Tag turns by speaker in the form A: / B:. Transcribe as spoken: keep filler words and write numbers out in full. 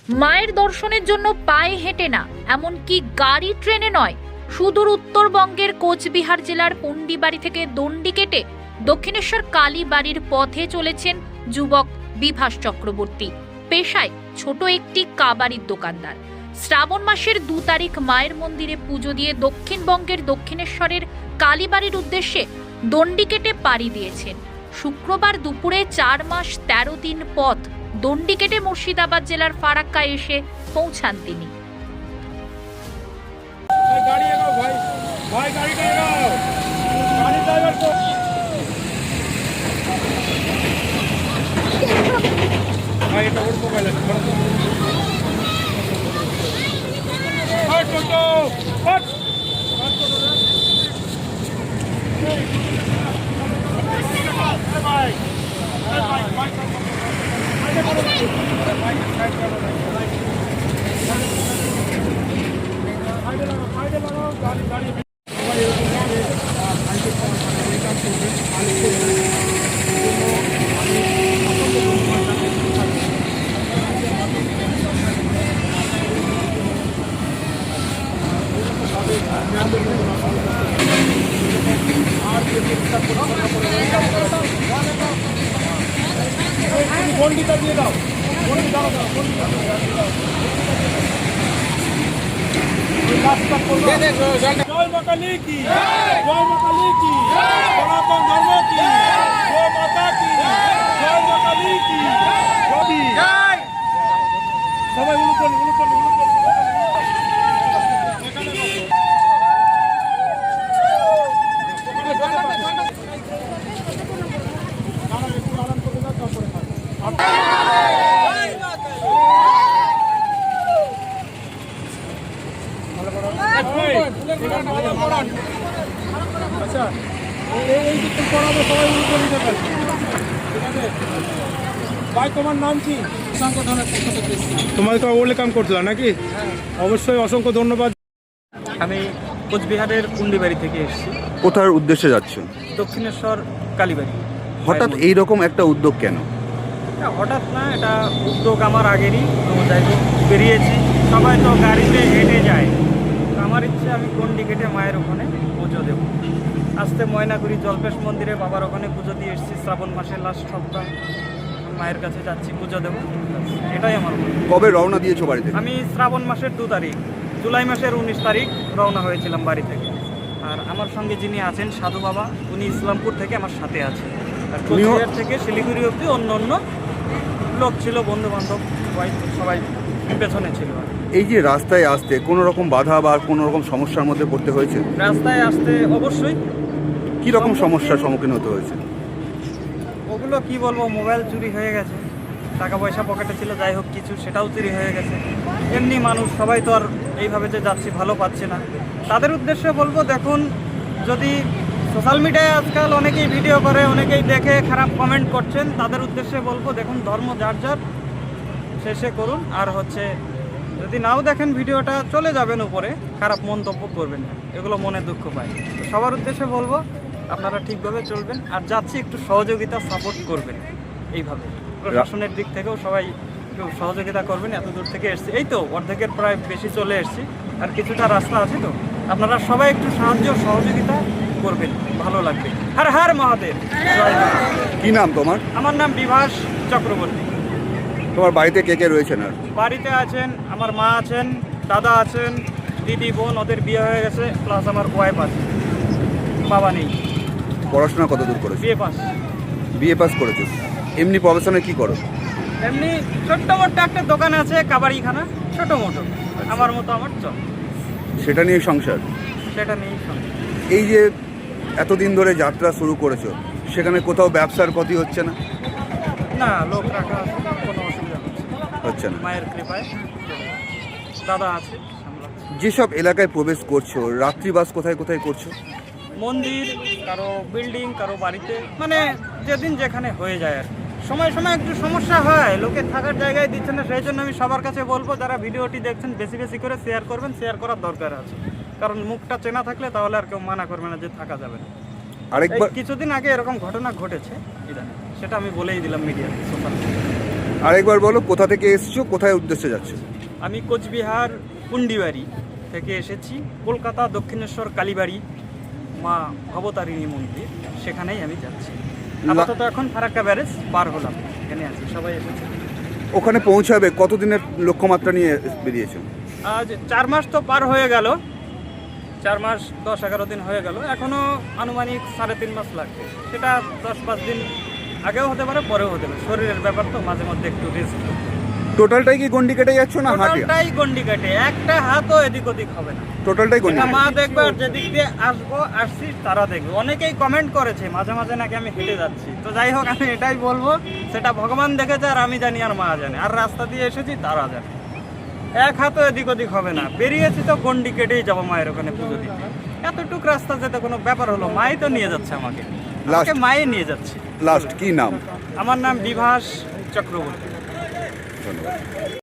A: মায়ের দর্শনের জন্য পায়ে হেঁটে না, এমনকি গাড়ি ট্রেনে নয়, সুদূর উত্তরবঙ্গের কোচবিহার জেলার পুন্ডিবাড়ি থেকে দণ্ডি কেটে দক্ষিণেশ্বর কালীবাড়ির পথে চলেছেন যুবক বিভাস চক্রবর্তী। পেশায় ছোট একটি কাবাড়ির দোকানদার। শ্রাবণ মাসের দু তারিখ মায়ের মন্দিরে পুজো দিয়ে দক্ষিণবঙ্গের দক্ষিণেশ্বরের কালীবাড়ির উদ্দেশ্যে দণ্ডি কেটে পাড়ি দিয়েছেন। শুক্রবার দুপুরে চার মাস তেরো দিন পথ দণ্ডি কেটে মুর্শিদাবাদ জেলার ফারাক্কায় এসে পৌঁছান তিনি।
B: গন্ডিটা দিয়ে দাও, গন্ডি দাও, জয় মা কালী কি, জয় মা কালী কি, সনাতন ধর্ম কি, জয় মাতা কি, জয় মা কালী কি, জয়। সবাই উলুকন উলুকন উলুকন আচ্ছা, এই যে তুমি পড়াবে সবাই উল্টো নিতে পারবে, ঠিক আছে? ভাই তোমার নাম কি? তোমাকে তো ওয়েলকাম করছিলাম নাকি? অবশ্যই, অসংখ্য ধন্যবাদ।
C: আমি কোচবিহারের পুন্ডিবাড়ি থেকে এসেছি।
D: কোথার উদ্দেশ্যে যাচ্ছেন?
C: দক্ষিণেশ্বর কালীবাড়ি।
D: হঠাৎ এইরকম একটা উদ্যোগ কেন?
C: এটা হঠাৎ না, এটা উদ্যোগ আমার আগেরই। তো যাই হোক, বেরিয়েছি। সবাই তো গাড়িতে হেঁটে যায়, আমার ইচ্ছে আমি গন্ডি কেটে মায়ের ওখানে পুজো দেবো। আসতে ময়নাগুড়ি জল্পেশ মন্দিরে বাবার ওখানে পুজো দিয়ে এসেছি। শ্রাবণ মাসের লাস্ট সপ্তাহ মায়ের কাছে যাচ্ছি, পুজো দেবো। এটাই আমার।
D: কবে রওনা দিয়েছো বাড়ি থেকে?
C: আমি শ্রাবণ মাসের দু তারিখ জুলাই মাসের উনিশ তারিখ রওনা হয়েছিলাম বাড়ি থেকে। আর আমার সঙ্গে যিনি আছেন সাধু বাবা, উনি ইসলামপুর থেকে আমার সাথে আছেন। আর কোচবিহার থেকে শিলিগুড়ি অবধি অন্য অন্য লোক ছিল, বন্ধু বান্ধব সবাই সবাই পেছনে ছিল।
D: এই যে রাস্তায় আসতে কোনো রকম বাধা বা কোনো রকম সমস্যার মধ্যে পড়তে হয়েছে?
C: রাস্তায় আসতে অবশ্যই।
D: কি রকম সমস্যার সম্মুখীন হতে হয়েছে?
C: ওগুলো কি বলবো, মোবাইল চুরি হয়ে গেছে, টাকা পয়সা পকেটে ছিল, যাই হোক কিছু সেটাও চুরি হয়ে গেছে। এমনি মানুষ সবাই তো আর এইভাবে যে যাচ্ছি ভালো পাচ্ছে না। তাদের উদ্দেশ্যে বলবো, দেখুন, যদি সোশ্যাল মিডিয়ায় আজকাল অনেকেই ভিডিও করে, অনেকেই দেখে খারাপ কমেন্ট করছেন, তাদের উদ্দেশ্যে বলবো, দেখুন, ধর্ম যার যার, শেষে করুন। আর হচ্ছে যদি নাও দেখেন ভিডিওটা, চলে যাবেন উপরে, খারাপ মন্তব্য করবেন না, এগুলো মনে দুঃখ পায়। তো সবার উদ্দেশ্যে বলবো, আপনারা ঠিকভাবে চলবেন, আর যাচ্ছি একটু সহযোগিতা সাপোর্ট করবেন। এইভাবে প্রশাসনের দিক থেকেও সবাই একটু সহযোগিতা করবেন। এত দূর থেকে এসছি, এই তো অর্ধেকের প্রায় বেশি চলে এসছি, আর কিছুটা রাস্তা আছে। তো আপনারা সবাই একটু সাহায্য সহযোগিতা করবেন, ভালো লাগবে। হর হর মহাদেব।
D: কি নাম তোমার?
C: আমার নাম বিভাস চক্রবর্তী।
D: তোমার বাড়িতে কে কে রয়েছেন? আর
C: বাড়িতে আছেন আমার মা আছেন, দাদা আছেন, দিদি বোন, ওদের বিয়ে হয়ে গেছে, প্লাস আমার ওয়াইফ আছে, বাবা নেই।
D: পড়াশোনা কত দূর করেছো?
C: বিয়ে পাস।
D: বিএ পাস করেছো। এমনি প্রফেশনে কি করো?
C: এমনি ছোট্ট মোটো একটা দোকান আছে, কাবাড়িখানা, ছোট মোটো, আমার মতো আমার চল।
D: সেটা নিয়ে সংসার?
C: সেটা নেই সঙ্গে।
D: এই যে এতদিন ধরে যাত্রা শুরু করেছো, সেখানে কোথাও ব্যবসার ক্ষতি হচ্ছে না?
C: না, লোক রাখা আছে, কোনো অসুবিধা হচ্ছে
D: হচ্ছে না।
C: মায়ের কৃপায়। দাদা আছে সামলাচ্ছে।
D: যেসব এলাকায় প্রবেশ করছো, রাত্রিবাস কোথায় কোথায় করছো?
C: মন্দির, কারো বিল্ডিং, কারো বাড়িতে, মানে যেদিন যেখানে হয়ে যায় আর সময় সময় একটু সমস্যা হয়, লোকে থাকার জায়গায় দিচ্ছে না। সেই জন্য আমি সবার কাছে বলবো, যারা ভিডিওটি দেখছেন বেশি বেশি করে শেয়ার করবেন, শেয়ার করার দরকার আছে। কারণ মুখটা চেনা থাকলে তাহলে আর কেউ মানা করবে না যে থাকা যাবে না। আরেকবার কিছুদিন আগে এরকম ঘটনা ঘটেছে ইদানিং, সেটা আমি বলেই দিলাম মিডিয়াতে, সোশ্যাল মিডিয়া।
D: আরেকবার বলো কোথা থেকে এসছো, কোথায় উদ্দেশ্যে যাচ্ছ?
C: আমি কোচবিহার পুন্ডিবাড়ি থেকে এসেছি, কলকাতা দক্ষিণেশ্বর কালীবাড়ি মা ভবতারিণী মন্দির, সেখানেই আমি যাচ্ছি। আপাতত এখন ফারাক্কা ব্যারেজ পার হলাম, এখানে আছি, সবাই এসেছে।
D: ওখানে পৌঁছাবে কতদিনের লক্ষ্যমাত্রা নিয়ে বেরিয়েছো?
C: আজ চার মাস তো পার হয়ে গেল, চার মাস দশ এগারো দিন হয়ে গেল, এখনও আনুমানিক সাড়ে তিন মাস লাগবে। সেটা দশ পাঁচ দিন আগেও হতে পারে, পরেও হতে পারে, শরীরের ব্যাপার তো, মাঝে মধ্যে একটু রেস্ট।
D: টোটালটাই কি গন্ডি কেটে যাচ্ছ না হাঁটে?
C: টোটালটাই গন্ডি কাটে, একটা হাতও এদিক ওদিক হবে না।
D: টোটালটাই গন্ডি
C: এটা মা দেখবে, আর যেদিক দিয়ে আসবো আসছি তারা দেখবে। অনেকেই কমেন্ট করেছে মাঝে মাঝে নাকি আমি হেঁটে যাচ্ছি, তো যাই হোক আমি এটাই বলবো, সেটা ভগবান দেখেছে আর আমি জানি আর মা জানে, আর রাস্তা দিয়ে এসেছি তারা জানে। এক হাতও এদিক ওদিক হবে না, বেরিয়েছি তো গন্ডি কেটেই যাবো মায়ের ওখানে পুজো দিতে। এতটুক রাস্তা যেতে কোনো ব্যাপার হলো, মাই তো নিয়ে যাচ্ছে আমাকে, আমাকে মায়ে নিয়ে যাচ্ছে।
D: লাস্ট কি নাম?
C: আমার নাম বিভাস চক্রবর্তী।
D: ধন্যবাদ।